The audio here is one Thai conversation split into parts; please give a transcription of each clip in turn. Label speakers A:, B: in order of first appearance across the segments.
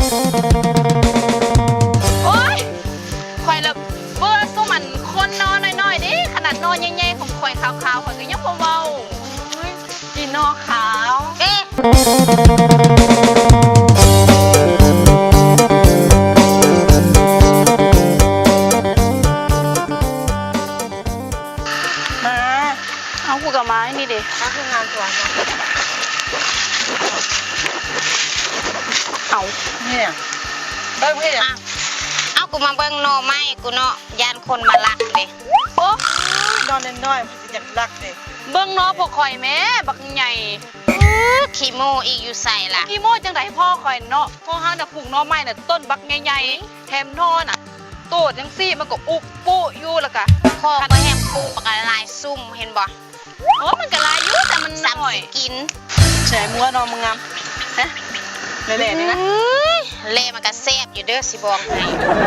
A: โอ๊ยข่อยละเบื่อสู้มันคนนอนน้อยๆดิขนาดนอนใหญ่ๆของข่อยขาวๆข่อยก็ยังบ่เว้ากินนอขาวเอ๊ะ
B: มา
A: เอากูกับไม้นี่ดิ
B: เอาคืองานตัวนะ
A: เอา
B: เนี่ยเบิ้งพี่
C: เอากูมาเบิ่งโนไม้กูเนาะยานคนมาลักเด้
A: โอ้
B: นอนน้อยๆมันจะอยากรักเลย
A: เบิ่งนอพวกข่อยแม่บักใหญ่
C: ขี้โมอีกอยู่ใส่ล่ะ
A: กี่โมงจังไดพ่อข่อยเนาะพ่อห้างน่ะปลูกหน่อไม้น่ะต้นบักใหญ่ๆแถมนอน่ะโตดจังซี่มันก็อุกปุอยู่แล้วก็
C: พ่อก็แฮมปูปากกาลายซุ่มเห็นบ่
A: โอ้มันก็หลายอยู่แต่มัน
C: ซ้ำ
A: น้อย
C: สิกิน
B: แฉมัวนอนมึงงามฮะเละๆนี่นะ
C: เล่มันก็แซ่บอยู่เด้อสิบอกให้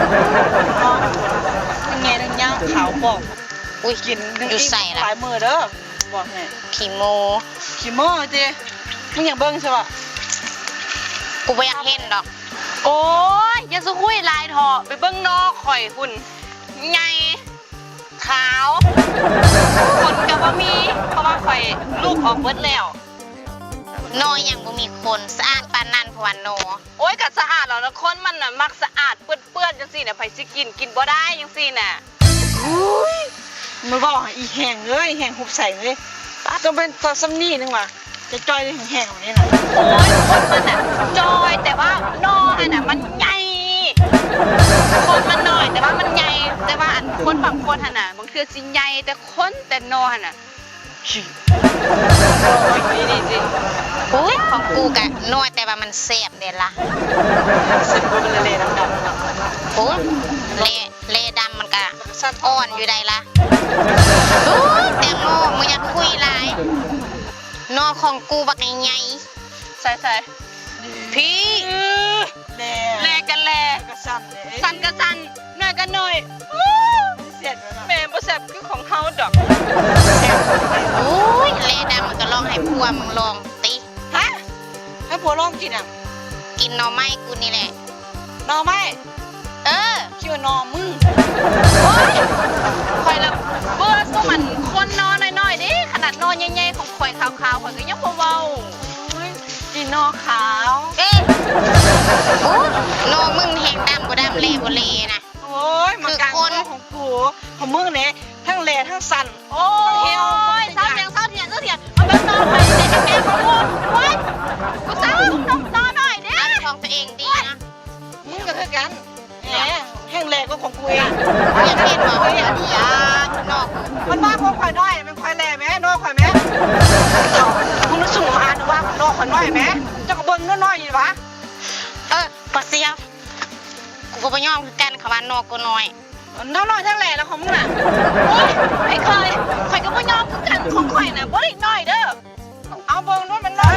B: ทั้งไงทั้งย่างขาวบอก
C: อุ้ย
B: กิน
C: อยู่ใส่ล่ะ
B: ปลายมือเด้อบอกไง
C: ขี้โม
B: ขี้โม่เจ้มึงอยากเบิ้งใช่ป่ะ
C: กูบ่อยากเห็นดอก
A: โอ้ยอย่าสุคุยลายเถาะไปเบิ่งนอข่อยหุ่นใหญ่ขาวคนก็บ่มีเพราะว่าข่อยลูกออกเบิดแล้ว
C: นอยังบ่มีคนสะอาดปานนั้นเพราะว่าโน
A: โอ้ยก็สะอาดแล้วนะคนมันน่ะมักสะอาดเปื้อนๆจังซี่น่ะไผสิกินบ่ได้จังซี่น่ะ
B: อุ้ยมันบอกให้อีแห้งเลยแห้งหุบใส่เลยต้องเป็นตัวซัมนี่นึงว่ะจะจอยได้แห้งๆแบบนี้นะ
A: โอ้ยคนมันน่ะจอยแต่ว่านออันน่ะมันใหญ่คนมันน้อยแต่ว่ามันใหญ่แต่ว่าอันคนบางคนหั่นน่ะบางเทื่อสิใหญ่แต่คนแต่นอหั่นน่ะ
B: ขี้
A: นี่สิ
C: โอ้ยของกูกะน้อยแต่ว่ามันแซ่บเด้ล่ะ
B: เสร็จกูเป็นเละๆดำๆ
C: โอ้ยเล่ดำมันกะ
B: สัตว์
C: อ่อนอยู่ใดล่ะโอ้ยแตงโมมึงอยากคุยหลายนอของกูบักใหญ่
A: ใส่ๆพี่
B: แหล่
A: แลกันแล
B: กระสันเลย
A: สันก็สันหน่อยก็หน่อย
B: เสียดเลยนะ
A: แม่บ่แซ่บคือของเฮาดอก
C: ๆโอ้ยเล่ดำมันก็ลองให้พัวมึงลองติ
B: ฮะให้ผัวลองกินอ่ะ
C: กินหน่อไม้กูนี่แหละ
B: หนอไหม
C: เออ
B: คิดว่าหนอมึง
A: โอ๊ยข่อยละเบื่อสู้มันคนนอนน้อยๆดิขนาดนอนใหญ่ๆของข่อยขาวๆข่อยก็ยังบ่เว้ากินนอขาว
C: เอ๊ะโอ้ยนอมึงแหงดำบ่ดำเล่บ่เล่นะ
B: โอ้ยมันกลางของกูของมึงเนี่ยทั้งแหล่ทั้งสั่น
A: โอ้ยเศร้าเถียงมันเป็นนอนข่อยเด็กแก่ของกูโอ๊ยกูเศร้านอนหน่อยเด้
C: เอาของตัวเองดีนะ
B: มึงก็คือกันแหมแห้งแหล่ก็ของกูเอง
C: อยากเห็นบ่อยากอยากนอก
B: มันว่าพวกข่อยน้อยเป็นข่อยแหล่ไหมนอข่อยไหมมึงนึกสูงอ่านว่านอข่อยน้อยไหมเจ้าก็เบิ้งน้อยๆอยู่วะ
C: ปะเสียวกูก็บ่ยอมคือกันคำว่านอกกูน้อย
B: น้อยทั้งแหล่แล้วของมึงน่ะ
A: โอ๊ยไอ้ข่อยก็บ่ยอมคือกันของข่อยน่ะบ่ได้น้อยเด้อ
B: เอาเบิ้งนู้นมันน้อย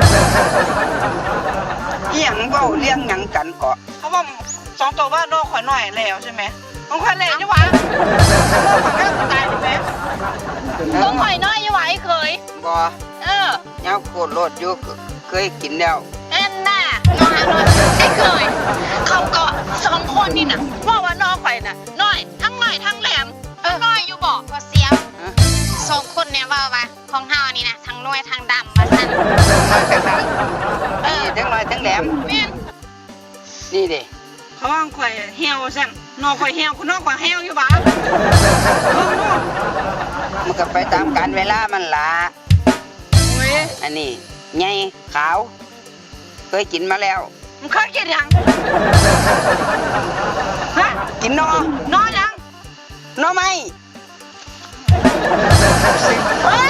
D: เอียงเว้าเลี้ยงหยังกันเกาะ
B: เขาบอกสองตัวว่านอข่อยน้อยแล้วใช่ไหมของข่อยแหล่นี่วะนอข่อยแม่ตายใช่ไหม
A: ของข่อยน้อยอยู่หว่าไอ้เคย
D: บ่
A: เออ
D: แนวโคตรโลดอยู่เคยกินแล้ว
A: แอนน่ะนอนนอนไอ้เคยเขาก็สองคนนี่น่ะว่านอข่อยน่ะน้อยทั้งน้อยทั้งแหลมน้อยอยู่บ่
C: ปะเสียว
D: ฮะ
C: สองคนเนี่ยว่าของเฮานี่นะทั้งน้อยทั้งดำว่าซั่น
D: น้อยจังไดนี่ทั้งน้อยทั้งแหลม
A: แม่น
D: นี่เด้
B: เขาว่าข่อยเหี่ยวสั่นนอข่อยเหี่ยวคุณนอข่อยเหี่ยวอยู่บ้าเบิ้งนู้น
D: มันก็ไปตามกาลเวลามันล่ะ
B: เว้ย
D: อันนี้ใหญ่ขาว เคยกินมาแล้ว
B: มึงเคยกินยังฮะ
D: กินนอน
B: อนยัง
D: อไหม
B: เฮ้ย